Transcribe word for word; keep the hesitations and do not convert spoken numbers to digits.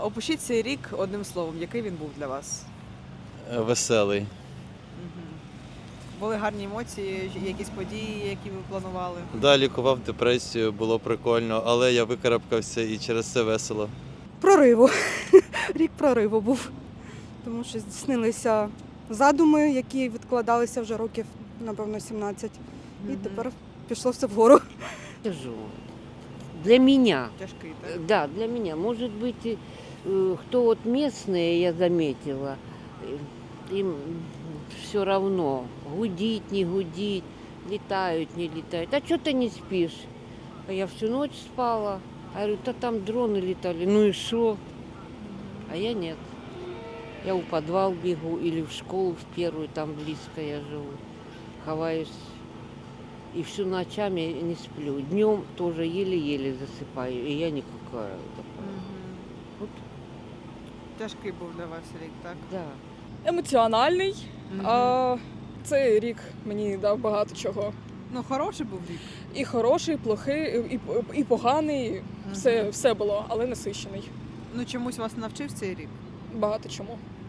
Опишіть цей рік одним словом, який він був для вас? Веселий. Угу. Були гарні емоції, якісь події, які ви планували? Да, лікував депресію, було прикольно, але я викарабкався і через це весело. Прориву. Рік прориву був. Тому що здійснилися задуми, які відкладалися вже років, напевно, сімнадцять. І Мгм. тепер пішло все вгору. Тяжело. Для меня. Тяжкий, так? Э, Да, для меня. Может быть, и, э, кто вот местные, я заметила, э, им все равно, гудить, не гудить, летают, не летают. А что ты не спишь? А я всю ночь спала. А я говорю, да там дроны летали, ну и что? А я нет. Я у подвал бегу или в школу в первую, там близко я живу. Ховаюсь. И всю ночами не сплю. Днем тоже еле-еле засыпаю, и я никакая. Мгм. Вот, Тяжкий був для вас рік, так? да. Емоціональний. Мгм. А, цей рік мені дав багато чого. Ну, хороший був рік. І хороший, і плохий, і, і поганий. Мгм. Все, все було, але насичений. Ну, чомусь вас навчив цей рік? Багато чому.